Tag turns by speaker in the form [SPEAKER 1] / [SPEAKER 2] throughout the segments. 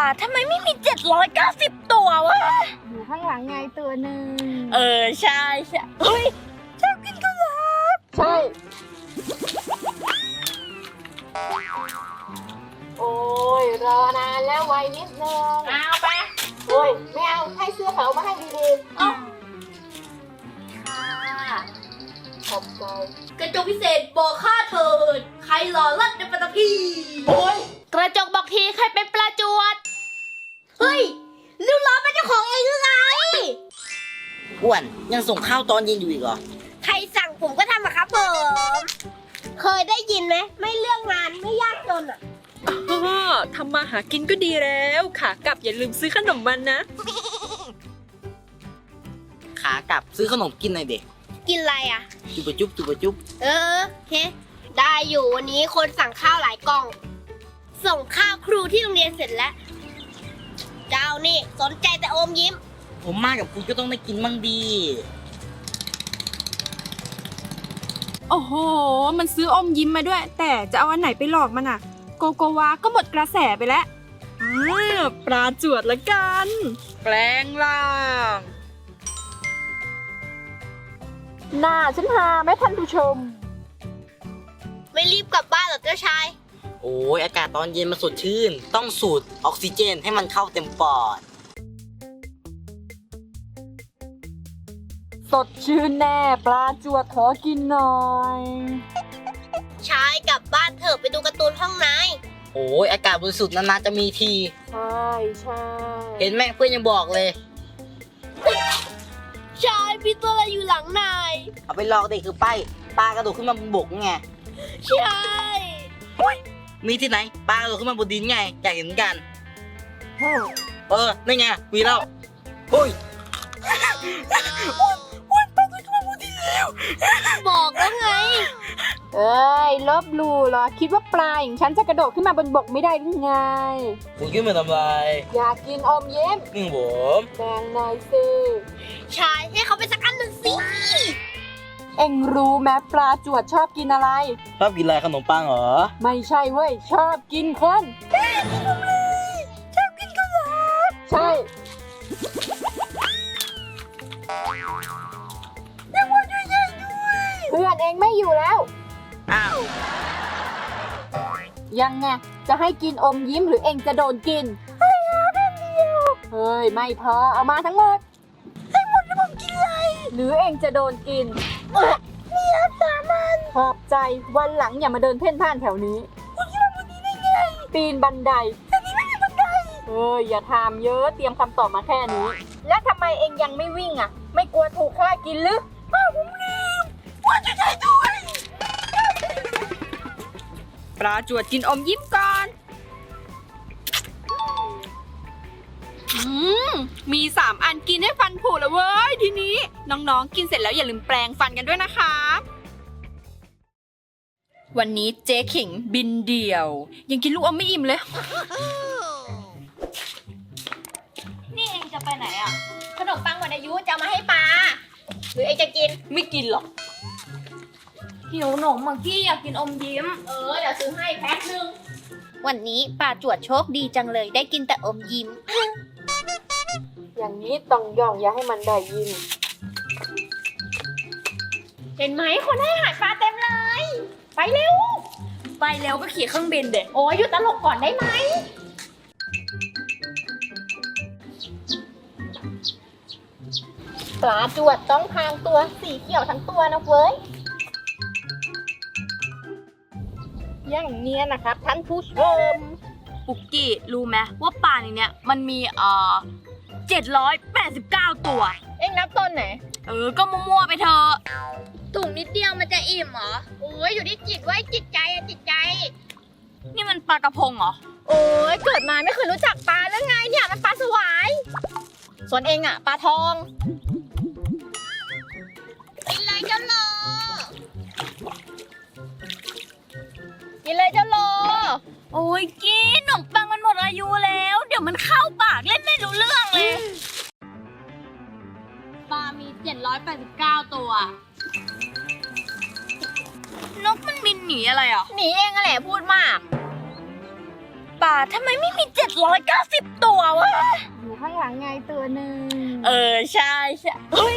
[SPEAKER 1] ทำไมไม่มี790ตัววะ
[SPEAKER 2] อยู่ข้างหลังไงตัวหนึ่ง
[SPEAKER 1] ใช่เฮ้ยชอบกินข้าวหลาม
[SPEAKER 2] ใช่โอ้ยรอนานแล้วไวนิดนึง
[SPEAKER 1] เอาไป
[SPEAKER 2] โอ้ยไม่เอาให้เสื้อเขามาให้ดีๆ
[SPEAKER 1] ค่ะ
[SPEAKER 2] ขอบใจ
[SPEAKER 1] กระจกพิเศษบอกข้าเถิดใครหล่อเลิศในปัตตภีโอ้ยกระจกบอกทีใครเป็นปลาจวดเฮ้ยริ้วล้อเป็นเจ้าของเองหรือไง
[SPEAKER 3] อ้วนยังส่งข้าวตอนเย็นอยู่อีกเหรอ
[SPEAKER 1] ใครสั่งผมก็ทำอะครับผมเคยได้ยินไหมไม่เรื่องงานไม่ยากจนอะ
[SPEAKER 4] ทำมาหากินก็ดีแล้วขากลับอย่าลืมซื้อขนมมันนะ
[SPEAKER 3] ขากลับซื้อขนมกินหน่อยเด็ก
[SPEAKER 1] กินอะไรอะ
[SPEAKER 3] จุบจุบจุบจุบ
[SPEAKER 1] เฮ้ได้อยู่วันนี้คนสั่งข้าวหลายกล่องส่งข้าวครูที่โรงเรียนเสร็จแล้วเจ้านี่สนใจแต่อมยิ้ม
[SPEAKER 3] ผมมากับคุณก็ต้องได้กินบ้างดี
[SPEAKER 4] โอ้โหมันซื้ออมยิ้มมาด้วยแต่จะเอาอันไหนไปหลอกมันอะโกโกวาก็หมดกระแสไปแล้วปลาจวดละกันแปลงร่าง
[SPEAKER 2] หน้าฉันหาไหมท่านผู้ชม
[SPEAKER 1] ไม่รีบกลับบ้านหรอเจ้าชาย
[SPEAKER 3] โอ้ยอากาศตอนเย็นมันสดชื่นต้องสูดออกซิเจนให้มันเข้าเต็มปอด
[SPEAKER 2] สดชื่นแน่ปลาจวดขอกินหน่อย
[SPEAKER 1] ชายกลับบ้านเถอะไปดูการ์ตูนห้องนาย
[SPEAKER 3] โอ้ยอากาศบริสุทธิ์นานๆจะมีที
[SPEAKER 2] ใช่
[SPEAKER 3] เห็นแม่เพื่อนยังบอกเลย
[SPEAKER 1] ชายพี่ตัวอะไรอยู่หลังนาย
[SPEAKER 3] เอาไปหลอกเด็กคือไปปลากระโดดขึ้นมาบนบกไง
[SPEAKER 1] ใช่
[SPEAKER 3] มีที่ไหนปลากระโดดขึ้นมาบนดินไงอยากเห็นกันนี่ไงมีแล้วโอ้ยปลาตัวขึ้นมาบนดินแล้ว
[SPEAKER 1] บอกแล้วไง
[SPEAKER 2] เอ้ยลบหลู่เหรอคิดว่าปลาอย่างฉันจะกระโดดขึ้นมาบนบกไม่ได้หรือไง
[SPEAKER 3] คุณขึ้นมาทำไร
[SPEAKER 2] อยากกินอมยิ้ม
[SPEAKER 3] ผม
[SPEAKER 2] แบ่งหน่อยสิ
[SPEAKER 1] ชายให้เขาไปสักอันหนึ่งสิ
[SPEAKER 2] เอ็งรู้ไหมปลาจวดชอบกินอะไร
[SPEAKER 3] ชอบกินอะไรขนมปังเหรอ
[SPEAKER 2] ไม่ใช่เว้ยชอบกินคน
[SPEAKER 1] ชอบกินข้าวหลาม
[SPEAKER 2] ใช่
[SPEAKER 1] ยังว่าด้วยใหญ่ด้วย
[SPEAKER 2] เพื่อนเองไม่อยู่แล้ว
[SPEAKER 3] อ้าว
[SPEAKER 2] ยังไงจะให้กินอมยิ้มหรือเองจะโดนกิน
[SPEAKER 1] ให้แค่เดียว
[SPEAKER 2] เฮ้ยไม่พอเอามาทั้งหมด
[SPEAKER 1] ให้หมดแล้วผมกินอะไร
[SPEAKER 2] หรือเองจะโดนกิน
[SPEAKER 1] นี่ครับ3 อัน
[SPEAKER 2] ขอบใจวันหลังอย่ามาเดินเพ่นพ่านแถวนี้
[SPEAKER 1] คุณคิดว่าวันนี้ได้ไง
[SPEAKER 2] ปีนบันได
[SPEAKER 1] แต่นี้ไม่มีบันได
[SPEAKER 2] อย่าถามเยอะเตรียมคำตอบมาแค่นี้แล้วทำไมเองยังไม่วิ่งอ่ะไม่กลัวถูกฆ่ากินหรือ
[SPEAKER 1] ผมลืมว่าจะได้ด้วย
[SPEAKER 4] ปลาจวดกินอมยิ้มก่อนมี3 อันกินให้ฟันผุแล้วเว้ยทีนี้น้องๆกินเสร็จแล้วอย่าลืมแปรงฟันกันด้วยนะคะวันนี้เจ๊ขิงบินเดี่ยวยังกินลูกอมไม่อิ่มเลย
[SPEAKER 1] นี่เองจะไปไหนอ่ะขนมปังหมดอายุจะมาให้ปลาหรือเองจะกิน
[SPEAKER 4] ไม่กินหรอก
[SPEAKER 1] หิวหนมบางที่อยากกินอมยิ้มเดี๋ยวซื้อให้แพ็คนึงวันนี้ป้าจวดโชคดีจังเลยได้กินแต่อมยิ้ม
[SPEAKER 2] อย่างนี้ต้องย่องอย่าให้มันได้ยิน
[SPEAKER 1] เห็นไหมคนให้อาหารปลาเต็มเลยไปเร็ว
[SPEAKER 4] ไปแล้วก็ขี่เครื่องบินเด็ก
[SPEAKER 1] โอ้ยหยุดตลกก่อนได้ไหมปลาจวดต้องพรางตัวสีเขียวทั้งตัวนะเว้ยอย่างเนี้ยนะครับท่านผู้ชม
[SPEAKER 4] ปุกกี้รู้ไหมว่าปลาในเนี้ยมันมี789 ตัว
[SPEAKER 1] เอ็งนับต้นไหน
[SPEAKER 4] ก็มั่วๆไปเถอะ
[SPEAKER 1] ตุ่มนิดเดียวมันจะอิ่มเหรอโอ้ยอยู่ที่จิตไว้จิตใจจิตใจ
[SPEAKER 4] นี่มันปลากระพงเหรอ
[SPEAKER 1] โอ้ยเกิดมาไม่เคยรู้จักปลาแล้วไงเนี่ยมันปลาสวายส่วนเองอะปลาทองกินเลยเจ้าโลกินเลยเจ้าโล
[SPEAKER 4] โอ้ยกินขนมปังมันหมดอายุแล้วเดี๋ยวมันเข้าปากเล่นไม่รู้เรื่องเลย
[SPEAKER 1] ปลามี789 ตัวน
[SPEAKER 4] กมันบินหนีอะไรอ่ะ
[SPEAKER 1] หนีเองอะแหละพูดมากป่าทำไมไม่มี790ตัววะ
[SPEAKER 2] อยู่ข้างหลังไงตัวหนึ่ง
[SPEAKER 1] ใช่เฮ้ย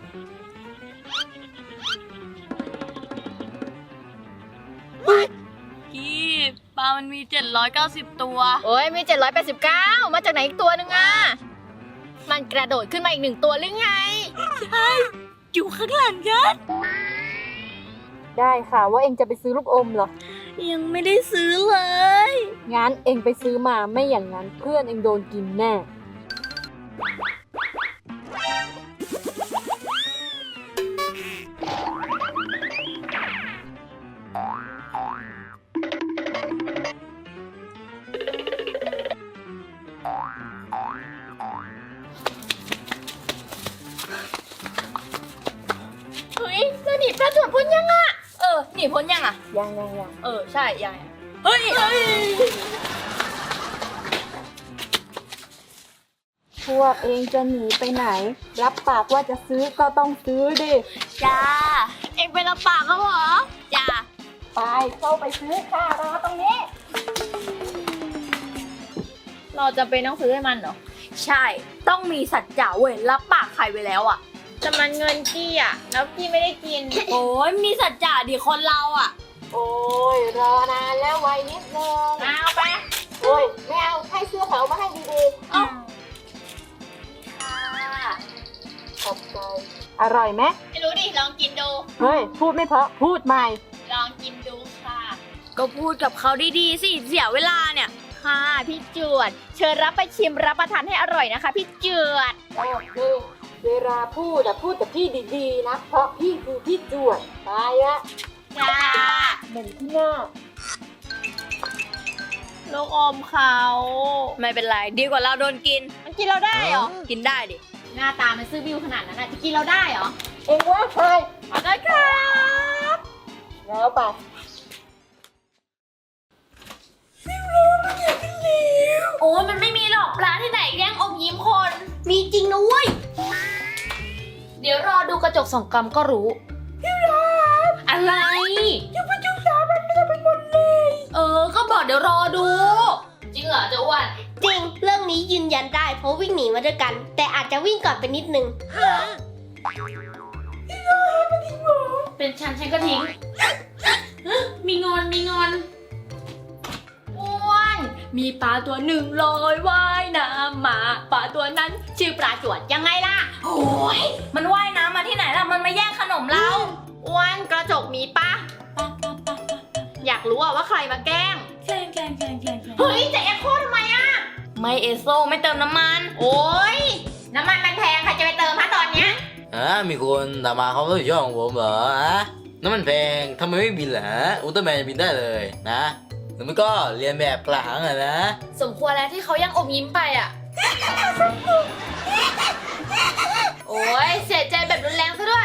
[SPEAKER 1] พี่ปลามันมี790ตัว
[SPEAKER 2] โอ้ยมี789มาจากไหนอีกตัวหนึ่งอ่ะมันกระโดดขึ้นมาอีก1ตัวหรือไง
[SPEAKER 1] อยู่ข้างหลังกัน
[SPEAKER 2] ได้ค่ะว่าเองจะไปซื้อลูกอมเหรอ
[SPEAKER 1] ยังไม่ได้ซื้อเลย
[SPEAKER 2] งั้นเองไปซื้อมาไม่อย่างนั้นเพื่อนเองโดนกินแน่
[SPEAKER 1] เฮ้ยแล้วหนีปลาจวดพ้นยังอ่ะหนีพ้นยังอ่ะ
[SPEAKER 2] ยัง
[SPEAKER 1] ใช่ยังเฮ้ย
[SPEAKER 2] พวกเองจะหนีไปไหน รับปากว่าจะซื้อก็ต้องซื้อดิ
[SPEAKER 1] จ้า เอ็งเป็นลำปากเขาเหรอ จ้า
[SPEAKER 2] ไปเข้าไปซื้อค่ะรอตรงนี้
[SPEAKER 1] เราจะเป็นต้องซื้อให้มันเหรอ ใช่ ต้องมีสัจจะเว้ยรับปากใครไว้แล้วอ่ะ
[SPEAKER 4] แต่มันเงินกี้อ่ะ แล้วกี้ไม่ได้กิน
[SPEAKER 1] โอ้ยมีสัจจะดิคนเราอ่ะ
[SPEAKER 2] โอ้ยรอนานแล้วไวนิดนึง
[SPEAKER 4] เอาไป
[SPEAKER 2] โอ้ยไม่เอาให้เสื้อเขามาให้ดีๆขอบใจอร่อยไหม
[SPEAKER 4] ไม่รู้ดิ ลองกินดู
[SPEAKER 2] เฮ้ยพูดไม่เพราะพูดใหม่
[SPEAKER 4] ลองกินดูค่ะ
[SPEAKER 1] ก็พูดกับเขาดีๆสิเสียเวลาเนี่ย
[SPEAKER 4] ค่ะพี่จวด เชิญรับไปชิมรับประทานให้อร่อยนะคะพี่จวด
[SPEAKER 2] โอเคเวลาพูดพูดกับพี่ดีๆนะ เพราะพี่คือพี่จวดไปละ
[SPEAKER 4] จ้า
[SPEAKER 2] เหม็นที่หน้า
[SPEAKER 1] ลูกอมเขา ไม่เป็นไร ดีกว่าเราโดนกิน
[SPEAKER 4] มันกินเราได้เหรอ
[SPEAKER 1] กินได้ดิ
[SPEAKER 4] หน้าตามันซื่อบิ้วขนาดนั้นน่ะจะกินเราได้เหรอ
[SPEAKER 2] เองว่าใคร
[SPEAKER 4] มาได้ครับ
[SPEAKER 2] แล้วไป
[SPEAKER 1] โอ้ยมันไม่มีหรอกปลาที่ไหนแย่งอมยิ้มคน มีจริงนะเว้ย เดี๋ยวรอดูกระจกสองกำก็รู้อะไรจะไปจุ๊บสามันไม่ได้เป็นคนเลยก็บอกเดี๋ยวรอดู จริงเหรอเจะอ้วน
[SPEAKER 5] จริง เรื่องนี้ยืนยันได้เพราะวิ่งหนีมาด้วยกัน แต่อาจจะวิ่งก่อนไปนิดนึง
[SPEAKER 1] เป็นฉันก็ทิ้งมีงอนอ้วนมีปลาตัวหนึ่งลอยว่ายน้ำมาปลาตัวนั้นชื่อปลาจวดยังไงล่ะโอ้ยมันว่ายน้ำมาที่ไหนล่ะมันมาแย่งขนมเราอ้วนกระจกมีปะอยากรู้ว่าใครมาแกล้งเฮ้ยจะเอ็กโคทำไมอะไม่เอโซไม่เติมน้ำมันโอ้ยน้ำมันมันแพงใครจะไปเติมฮะตอนเนี้ย
[SPEAKER 3] มีคนถามมาเขารับผิดชอบของผมเหรอฮะน้ำมันแพงทำไมไม่บินล่ะฮะอุลตร้าแมนบินได้เลยนะหรือไม่ก็เรียนแบบกลางอะนะ
[SPEAKER 1] สมควรแล้วที่เขายังอมยิ้มไปอ่ะ โอ้ยเสียใจแบบรุนแรงซะด้วย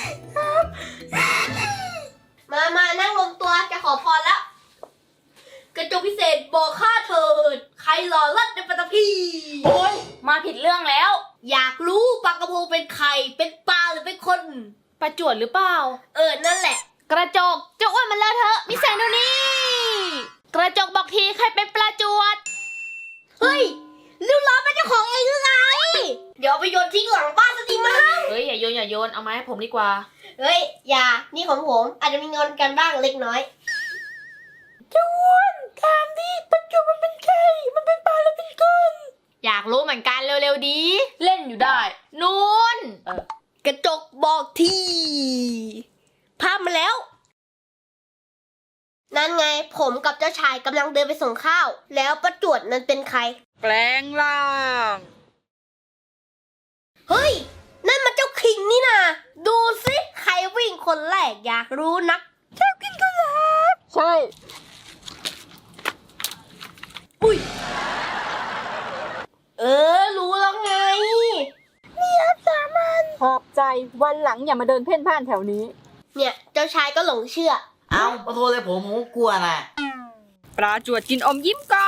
[SPEAKER 5] มานั่งรวมตัวจะขอพรแล้ว กระจกพิเศษบอกข้าเถิด ใครหล่อเลิศในปัตตภี
[SPEAKER 1] โอ้ยมาผิดเรื่องแล้ว
[SPEAKER 5] อยากรู้ปลากระพงเป็นใคร เป็นปลาหรือเป็นคน
[SPEAKER 1] ประจวดหรือเปล่า
[SPEAKER 5] นั่นแหละ
[SPEAKER 1] กระจกเจ้าอ้วนมันเลอะเทอะมีแสงดูนี่ กระจกบอกทีใครเป็นปลาจวด
[SPEAKER 5] เฮ้ยลูกล้อเป็นเจ้าของเองหรือไง เดี๋ยวเอาไปโยนทิ้งหลังบ้านสักทีมั้ง
[SPEAKER 1] เฮ้ยอย่าโยนเอามาให้ผมดีกว่า
[SPEAKER 5] เฮ้ย อย่า นี่ของผม อาจจะมีงอนกันบ้างเล็กน้อย
[SPEAKER 1] อยากรู้เหมือนกันเร็วๆดี เล่นอยู่ได้นู่น
[SPEAKER 5] กระจกบอกทีภาพมาแล้ว นั่นไงผมกับเจ้าชายกำลังเดินไปส่งข้าว แล้วประจวดนั้นเป็นใคร
[SPEAKER 4] แปลงร่าง
[SPEAKER 5] เฮ้ย นั่นมันเจ้าคิงนี่นาดูสิใครวิ่งคนแรกอยากรู้นัก
[SPEAKER 2] ใช่
[SPEAKER 5] รู้แล้วไง
[SPEAKER 2] ขอบใจวันหลังอย่ามาเดินเพ่นพ่านแถวนี้
[SPEAKER 5] เนี่ยเจ้าชายก็หลงเชื่อ
[SPEAKER 3] เอาขอโทษเลยผมก็กลัวนะ
[SPEAKER 4] ปลาจวดกินอมยิ้มก่อน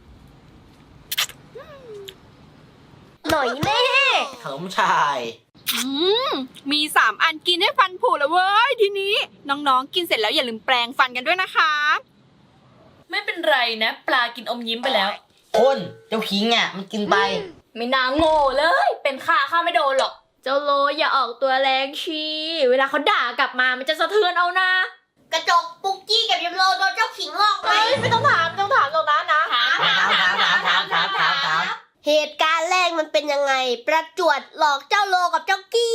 [SPEAKER 5] หน่อยแน่
[SPEAKER 3] ขนมชาย
[SPEAKER 4] มี3 อันกินให้ฟันผุแล้วเว้ยทีนี้ น้องๆกินเสร็จแล้วอย่าลืมแปรงฟันกันด้วยนะคะ
[SPEAKER 1] ไม่ไม่เป็นไรนะ ปลากินอมยิ้มไปแล้ว
[SPEAKER 3] คนเจ้าคิงอ่ะมันกินไป
[SPEAKER 1] ไม่น่าโง่เลย เป็นข้าไม่โดนหรอก
[SPEAKER 5] เจ้าโลอย่าออกตัวแรงชีเวลาเขาด่ากลับมามันจะสะเทือนเอานะ กระจกปุกกี้กับยมโลโดนเจ้าขิงหลอกไหม
[SPEAKER 2] ไม่ต้องถามหรอกนะ
[SPEAKER 1] ถาม
[SPEAKER 5] เหตุการณ์แรกมันเป็นยังไง ประจวดหลอกเจ้าโลกับเจ้ากี้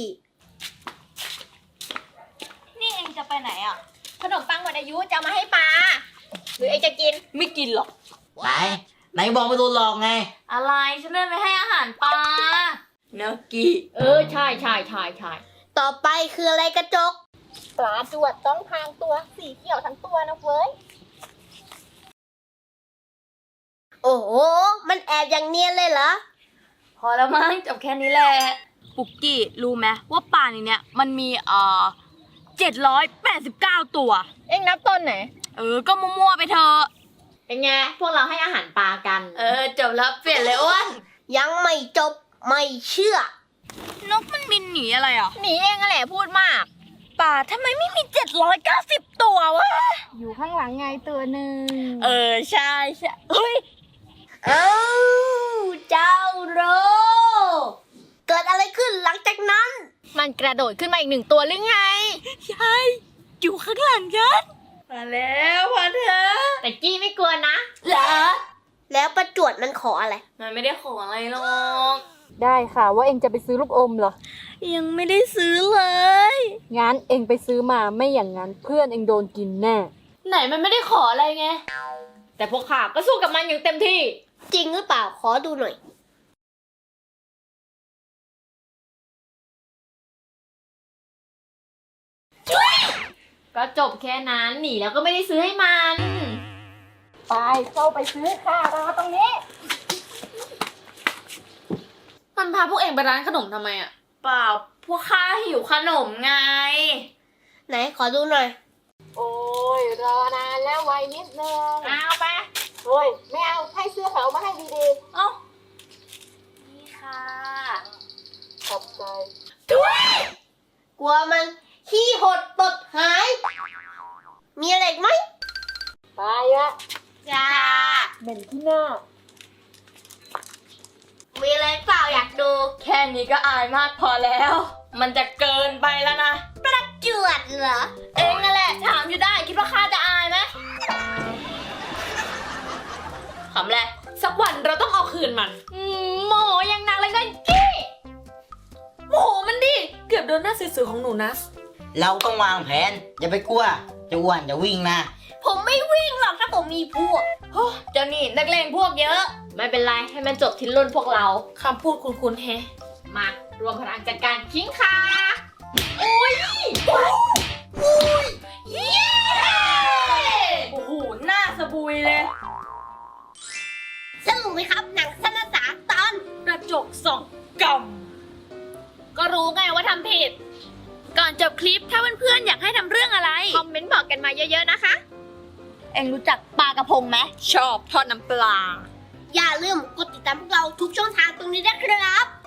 [SPEAKER 1] นี่เองจะไปไหนอ่ะ
[SPEAKER 5] ขนมปังหมดอายุจะเอามาให้ปลาหรือเองจะกิน
[SPEAKER 1] ไม่กินหรอก
[SPEAKER 3] ไหนบอกไม่โดนหลอกไง
[SPEAKER 1] อะไรฉันเดินไปให้อาหารปลาเนกี้ใช่
[SPEAKER 5] ต่อไปคืออะไรกระจก
[SPEAKER 2] ปลาจวดต้องพรางตัวสีเขียวทั้งตัวนะเว้ย
[SPEAKER 5] โอ้โห มันแอบอย่างเนียนเลยเหรอ
[SPEAKER 1] พอแล้วมั้งจบแค่นี้แหละ ปุกกี้รู้ไหมว่าป่าในเนี้ยมันมี789 ตัว
[SPEAKER 2] เอ็งนับต้นไหน
[SPEAKER 1] ก็มั่วๆไปเถอะ
[SPEAKER 5] เป็นไง พวกเราให้อาหารปลากัน
[SPEAKER 1] จบแล้วเปลี่ยนเลยอ้วน
[SPEAKER 5] ยังไม่จบไม่เชื่อ
[SPEAKER 1] นกมันบินหนีอะไรอ่ะ
[SPEAKER 2] หนีเองอะแหละพูดมาก
[SPEAKER 1] ป่าทำไมไม่มี790 ตัววะ
[SPEAKER 2] อยู่ข้างหลังไงตัวหนึ่ง
[SPEAKER 1] ใช่เฮ้ย
[SPEAKER 5] เอ้าเจ้าโร เกิดอะไรขึ้นหลังจากนั้น
[SPEAKER 2] มันกระโดดขึ้นมาอีก1 ตัวหรือไง
[SPEAKER 1] ใช่อยู่ข้างหลังฉันมาแล้วพอเธอ
[SPEAKER 5] แต่กี้ไม่กลัวนะ
[SPEAKER 1] เหรอ
[SPEAKER 5] แล้วประจวดมันขออะไร
[SPEAKER 1] มันไม่ได้ขออะไรหรอก
[SPEAKER 2] ได้ค่ะว่าเอ็งจะไปซื้อลูกอมเหรอ
[SPEAKER 1] ยังไม่ได้ซื้อเลย
[SPEAKER 2] งั้นเอ็งไปซื้อมาไม่อย่างนั้นเพื่อนเอ็งโดนกินแน่
[SPEAKER 1] ไหนมันไม่ได้ขออะไรไง แต่พวกข้าก็สู้กับมันอย่างเต็มที่
[SPEAKER 5] จริงหรือเปล่า ขอดูหน่อย
[SPEAKER 1] ก็จบแค่นั้นหนีแล้วก็ไม่ได้ซื้อให้มัน
[SPEAKER 2] ไปเข้าไปซื้อค่ะรอตรงนี้
[SPEAKER 1] มันพาพวกเองไปร้านขนมทำไมอ่ะ เปล่า พวกข้าหิวขนมไง
[SPEAKER 5] ไหนขอดูหน่อย
[SPEAKER 2] โอ้ยรอนานแล้วไวนิดนึง
[SPEAKER 1] เอาไป
[SPEAKER 2] เฮ้ยไม่เอาให้เสื้อขาวมาให้ดี
[SPEAKER 1] เอ้า นี่ค่ะ
[SPEAKER 2] ๆขอบใจ
[SPEAKER 5] กลัวมันขี้หดตดหาย มีอะไรอีกไหม
[SPEAKER 2] ไปละ
[SPEAKER 5] จ้า
[SPEAKER 2] เหม็นที่หน้า
[SPEAKER 5] มีอะไรเปล่าอยากดู
[SPEAKER 1] แค่นี้ก็อายมากพอแล้ว มันจะเกินไปแล้วนะ
[SPEAKER 5] ประจวดเหรอ
[SPEAKER 1] เองนั่นแหละถามอยู่ได้ คิดว่าข้าจะอายไหมขำแหละสักวันเราต้องเอาคืนมันโมโหอย่างหนักเลยก็กี้โมโหมันดิ เกือบโดนหน้าสื่อๆของหนูนะ
[SPEAKER 3] เราต้องวางแผน อย่าไปกลัวจะอ้วนจะวิ่งนะ
[SPEAKER 5] ผมไม่วิ่งหรอกถ้าผมมีพวก
[SPEAKER 1] เจ้านี่นักเลงพวกเยอะ
[SPEAKER 5] ไม่เป็นไร ให้มันจบที่รุ่นพวกเรา
[SPEAKER 1] คำพูดคุ้นๆแฮะ
[SPEAKER 5] มารวมพลังจัดการคิงค่ะ
[SPEAKER 1] โอ้โห หน้าสบุยเลย
[SPEAKER 5] สนุกไหมครับ หนังสนสารตอน
[SPEAKER 1] กระจกส่องกำก็รู้ไงว่าทำผิด ก่อนจบคลิปถ้าเพื่อนๆอยากให้ทำเรื่องอะไร
[SPEAKER 5] คอมเมนต์บอกกันมาเยอะๆนะคะ
[SPEAKER 1] เอ็งรู้จักปลากระพงไหมชอบทอดน้ำปลา
[SPEAKER 5] อย่าลืมกดติดตามพวกเราทุกช่องทางตรงนี้นะครับ